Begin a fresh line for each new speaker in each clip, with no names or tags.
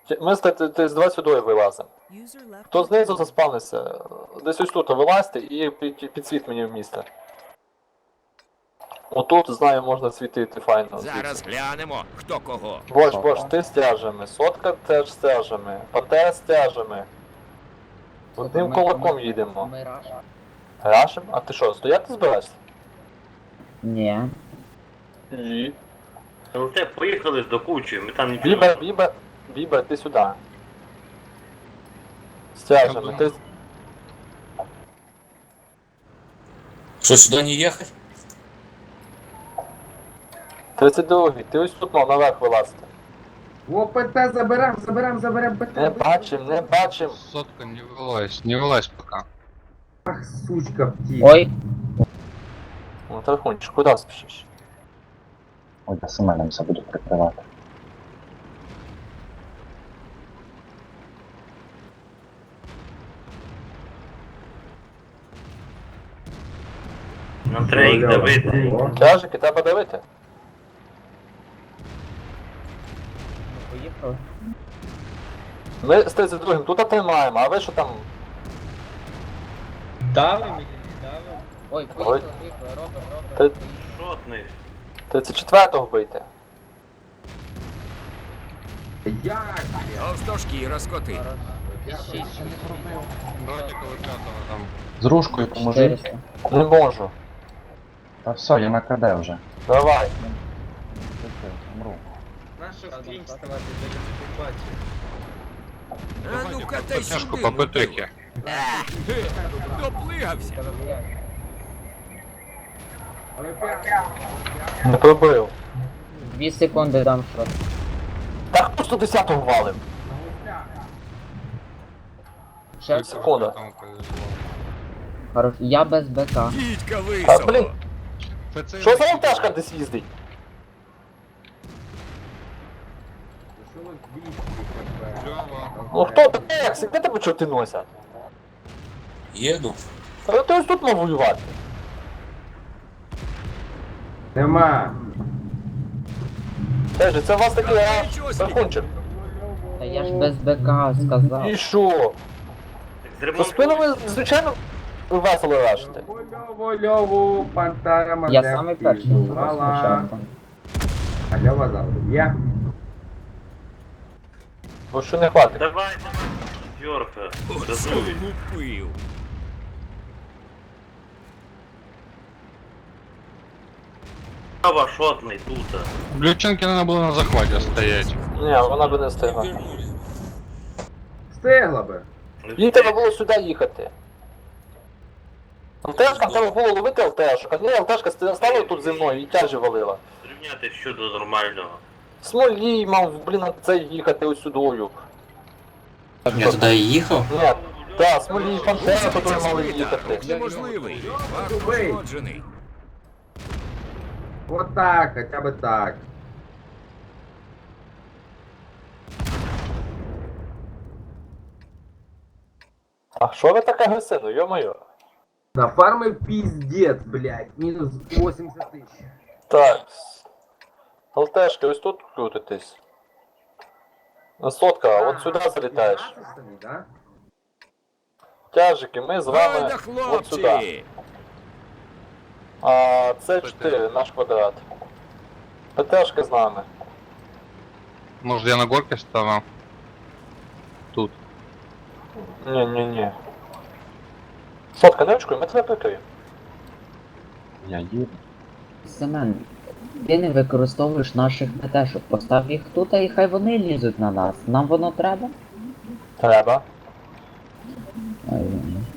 Ми з 22 вилазимо. Хто знизу заспавнився, десь ось тут вилазьте і підсвіт мені в місце. Отут, знаю, можна світити файно.
Зараз глянемо, хто кого.
Бош, ти стяжами, сотка теж стяжами, ПТ стяжами. Одним кулаком їдемо.
Ми раш.
Рашим? А ти що, стояти збираєшся?
Ні.
Ні.
Ну те поїхали до кучі, ми там нічого.
Бібер, ти сюди. Стяжами, ти...
Что, сюда не ехать?
32-й, ти ось тут мав наверх вилазити.
О, ПТ заберем ПТ.
Не бачим.
Сотка, не вылазь пока.
Ах, сучка, птица.
Ой,
Ну, Тархунчик, куди спішиш?
Ой, я Семеном забуду прикривати.
Нам треба їх давити.
Тяжики, треба дивити.
поїхали.
Ми з 32-м тут тримаємо, а ви що там?
Ой,
Ой.
поїхали, Робер.
Шотний.
34-го бийте.
Як?
Товстошкіра скоти.
Братика вот пятого там.
З ружкою поможи.
400.
Не можу.
Та все, я на КД вже.
Давай.
Умру.
А ну-ка та
Подтяжку
сюди.
по ПТХе.
Доплигався.
Не пробив.
2 секунди дам шот.
Та хто 110-го валив?
Ще
Секунда.
Кому повезло.
хорош. Я без БК.
Дідька
А,
високо.
блін,
ФЦ
що за вантажка десь їздить?
Лёва.
Ну хто ти? Як? Де тебе чорти носять?
Еду.
Та ти ось тут мав воювати.
Нема.
Теж, це у вас такий Тархунчик.
Та я ж без БК сказав.
І що?
Так
За спинами,
зремонтуй.
звичайно, весело рашите.
Льову, Пантера,
Я
Мазепки.
самий перший
Мала.
спочатку.
А Льова завжди є.
Бо що не хватить.
Давай, четверка.
Оце
Газуй.
влупив.
Права шотний тут.
Глюченки надо было на захвате стоять.
Ні, вона би не встигла.
Вернулись.
Встигла би.
Їй треба було сюди їхати. ЛТшкам треба було ловити ЛТшок, а не ЛТшка стала тут зі мною і тяжі валила.
Зрівняти щодо нормального.
Смолій мав, блін, на це їхати ось сюдою.
Я туда и ехал?
Ні, так, Смолій, Пантера, тут мали їхати.
Неможливий. Факт
Ой.
пошкоджений.
Вот так, хотя бы так.
А що ви так агресивно, йо-моє?
На фарме пиздец, блядь. Минус 80 тысяч.
Так. ЛТшки, ось тут крутитись. Сотка, от сюди залітаєш.
Да?
Тяжики, ми з
Ой
вами
да
от сюди.
хлопці.
А це 4, наш квадрат. ПТшки з нами.
Может, я на горке стану? Тут.
Ні. Сотка, не очкуй, ми тебе прикриємо.
Я їду.
Семен, ти не використовуєш наших БТшок. Постав їх тут, і хай вони лізуть на нас. Нам воно треба?
Треба.
Ой,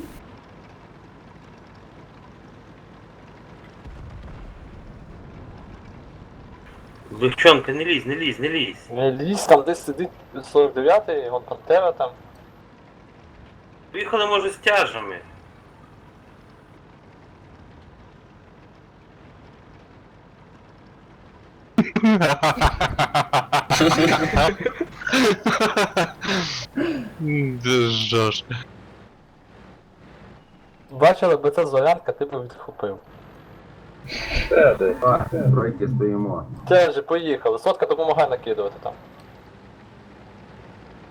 Легчонка, не лізь, не лізь, не лізь.
Не лізь, там десь сидить 49-й, вон Пантера там.
Поїхали, може, з тяжами.
Ты жжешь.
Бачили би це Зорянка, ти б відхопив.
Тройки стоїмо.
Тяжі, поїхали. Сотка допомагає накидувати там.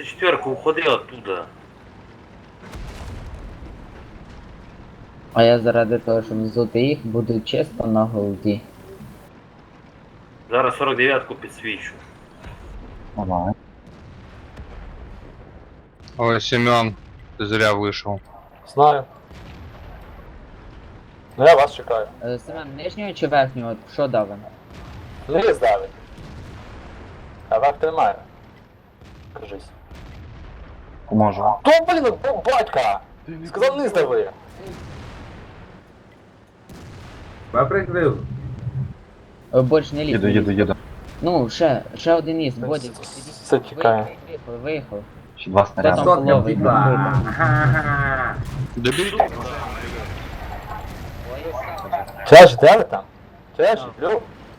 34-ку, уходи оттуда.
А я заради того, щоб взути їх, буду чисто на голді.
Зараз 49-ку підсвічу.
Давай.
Ой, Семен, ты зря вышел.
Знаю. Ну я вас чекаю.
Семен, нижнього чи верхнього? Що давим?
Низ давить. А верх тримає. Кажись.
Поможу.
То, блін, батька! Сказав низ дави.
Я прикрив.
Больш не лізь.
Їду.
Ну, ще один із,
Це-
Бодік.
це тікає.
Виїхав.
Ще два снаряди.
Там
Сотка
половий,
втекла.
накрито.
Ага.
Доберите.
Чеш, де ви там? Чеш, Лю?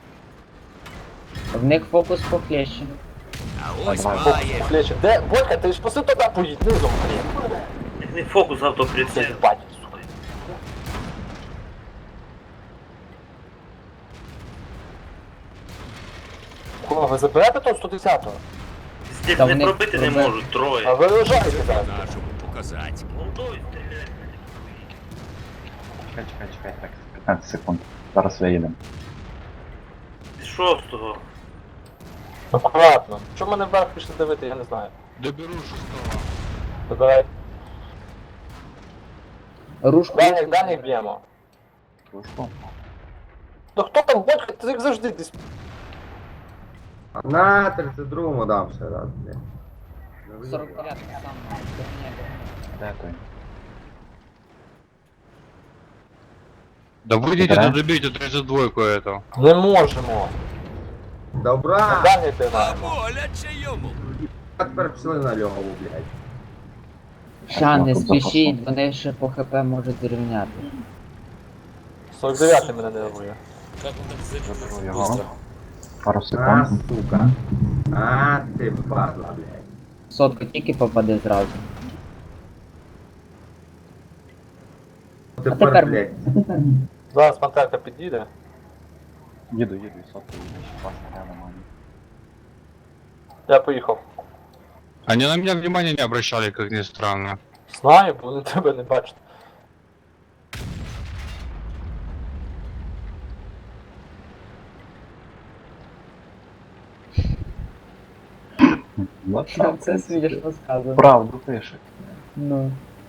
В них фокус похлеще.
А ось
Давай.
має.
Плечі, де? Бодька, ти ж поси туди поїдь, низом, блін.
Не фокус автоприцел.
Це бать, сука. Кого, ви заберете того 110-го?
Здесь
Та
не
вони
пробити не
пробили.
можуть, троє.
А ви виїжджаєте зараз.
Нашому показати.
Молодой стріляє.
Чекай, так, 15 секунд. Зараз виїдемо.
З 6-го.
Акуратно. Чому мене вверх пішли дивити, я не знаю.
Доберу шестого.
Добирай.
Рушку.
Далі б'ємо.
Кружку.
Ну хто там, Бодька, ти як завжди десь.
На 32-му дам ще раз, блядь.
49 сам.
Де той?
Да выйдите,
Да?
да добейте 32-ку эту.
Не можемо.
Добра!
Далі
А
піймаємо.
боляче йому.
А тепер пішли на льову, блядь.
Ща, не
Тут
спішіть, вони ще по хп можуть зрівняти.
49-й мене нервує.
Как он так
Заберу
залез
його.
быстро?
Пару
А,
секунд.
сука. А, ти падла, блядь.
Сотку тільки попаде зразу.
Тепер,
тепер-
блядь.
Зараз пантерка підійде.
Їду, сотку їду, ще два снаряди маю.
Я поїхав.
Они на меня внимания не обращали, как ни странно.
Знаю, бо вони тебе не бачать.
Ну,
Це смішно сказано.
Правду пише.
Ну.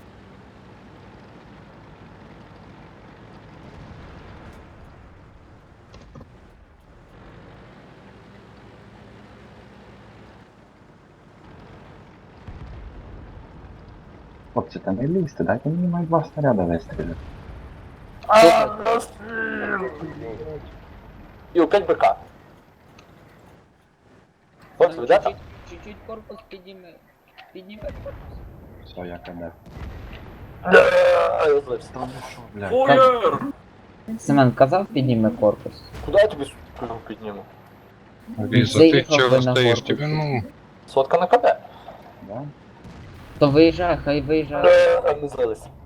Хлопці, та не лізьте, дайте мені май два снаряди вистріляти.
І опять БК. Хлопці, ви де там?
Чуть-чуть корпус підніме. Підніме корпус.
Все, я кадет.
Я злився.
Та ну що, блядь.
Фуєр!
Семен казав підніме корпус.
Куди я тобі сука підніму?
Лиза, ты
Заехал
чего
бы на
стоишь?
горку.
Тебе, ну...
Сотка на КД.
Да?
То виїжджай, хай виїжджає.
Не злилися.